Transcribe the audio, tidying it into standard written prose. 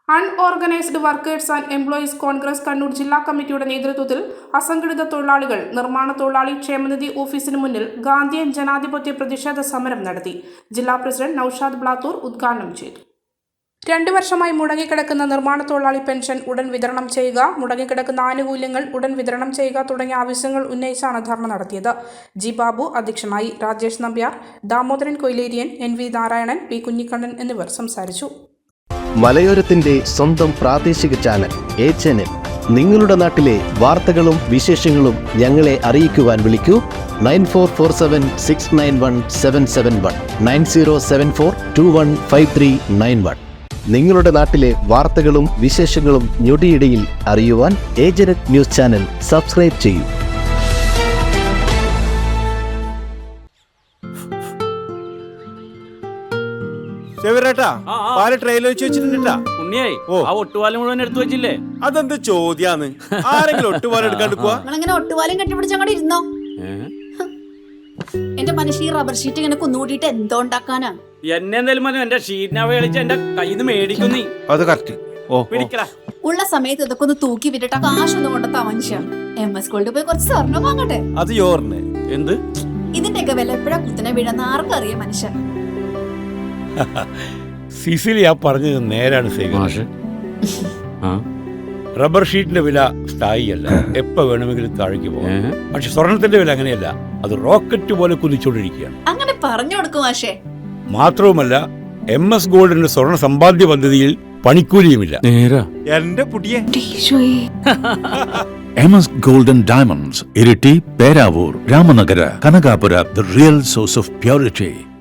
Unorganised workers and employees congress Kannur ജില്ലാ കമ്മിറ്റിയുടെ നേതൃത്വത്തിൽ അസംഘടിത തൊഴിലാളികൾ നിർമ്മാണ തൊഴിലാളി ക്ഷേമനിധി ഓഫീസിന് മുന്നിൽ ഗാന്ധിയൻ ജനാധിപത്യ പ്രതിഷേധ സമരം നടത്തി. ജില്ലാ പ്രസിഡന്റ് നൌഷാദ് ബ്ലാത്തൂർ ഉദ്ഘാടനം ചെയ്തു. 2 വർഷമായി മുടങ്ങിക്കിടക്കുന്ന നിർമ്മാണ തൊഴിലാളി പെൻഷൻ ഉടൻ വിതരണം ചെയ്യുക, മുടങ്ങിക്കിടക്കുന്ന ആനുകൂല്യങ്ങൾ ഉടൻ വിതരണം ചെയ്യുക തുടങ്ങിയ ആവശ്യങ്ങൾ ഉന്നയിച്ചാണ് ധർണ നടത്തിയത്. ജി ബാബു അധ്യക്ഷനായി. രാജേഷ് നമ്പ്യാർ, ദാമോദരൻ കൊയിലേരിയൻ, NV നാരായണൻ, P കുഞ്ഞിക്കണ്ണൻ എന്നിവർ സംസാരിച്ചു. മലയോരത്തിന്റെ സ്വന്തം പ്രാദേശിക ചാനൽ HNN. നിങ്ങളുടെ നാട്ടിലെ വാർത്തകളും വിശേഷങ്ങളും ഞങ്ങളെ അറിയിക്കുവാൻ വിളിക്കൂ 9447691771 9074215391. നിങ്ങളുടെ നാട്ടിലെ വാർത്തകളും വിശേഷങ്ങളും ഞൊടിയിടയിൽ അറിയുവാൻ HNN ന്യൂസ് ചാനൽ സബ്സ്ക്രൈബ് ചെയ്യൂ. അതെന്ത് ചോദ്യാന്ന്? ആരെങ്കിലും ഒട്ടുപാലം എടുക്കാണ്ട് പോവാ? ഒട്ടുപാലം കെട്ടിപ്പിടിച്ചങ്ങോട്ട് ഇരുന്നോ? എന്റെ മനുഷ്യ റബ്ബർ ഷീറ്റ് ഇങ്ങനെ കുന്നുകൂട്ടിട്ട് എന്തോ ഉണ്ടാക്കാനാ? എന്നെന്തായാലും എന്റെ ഷീറ്റിനെ കളിച്ച് എന്റെ കയ്യിൽ നിന്ന് മേടിക്കുന്നീ. അത് കറക്റ്റ്. ഉള്ള സമയത്ത് ഇതൊക്കെ ഒന്ന് തൂക്കി വിട്ടിട്ട് കാശൊന്നും കൊണ്ടെത്താ മനുഷ്യ. MS ഗോൾഡ് പോയി കുറച്ച് സ്വർണ്ണം വാങ്ങട്ടെ. അത് യോറിന് എന്ത്? ഇതിന്റെയൊക്കെ വില എപ്പോഴാ കുത്തിനെ വീഴുന്ന ആർക്കറിയാം മനുഷ്യ. സിസിലി ആ പറഞ്ഞത് നേരാണ്. റബ്ബർ ഷീറ്റിന്റെ വില സ്ഥായിയല്ല, എപ്പോ വേണമെങ്കിലും താഴേക്ക് പോകാം. പക്ഷെ സ്വർണത്തിന്റെ വില അങ്ങനെയല്ല, അത് റോക്കറ്റ് പോലെ കുതിച്ചുകൊണ്ടിരിക്കുകയാണ്. അങ്ങനെ പറഞ്ഞു കൊടുക്കും മാഷേ. മാത്രവുമല്ല MS ഗോൾഡിന്റെ സ്വർണ്ണ സമ്പാദ്യ പദ്ധതിയിൽ പണിക്കൂലിയുമില്ല. എന്റെ പുതിയ MS Gold and Diamonds, Iriti, Peravur, Ramanagara, Kanagapura, the real source of purity.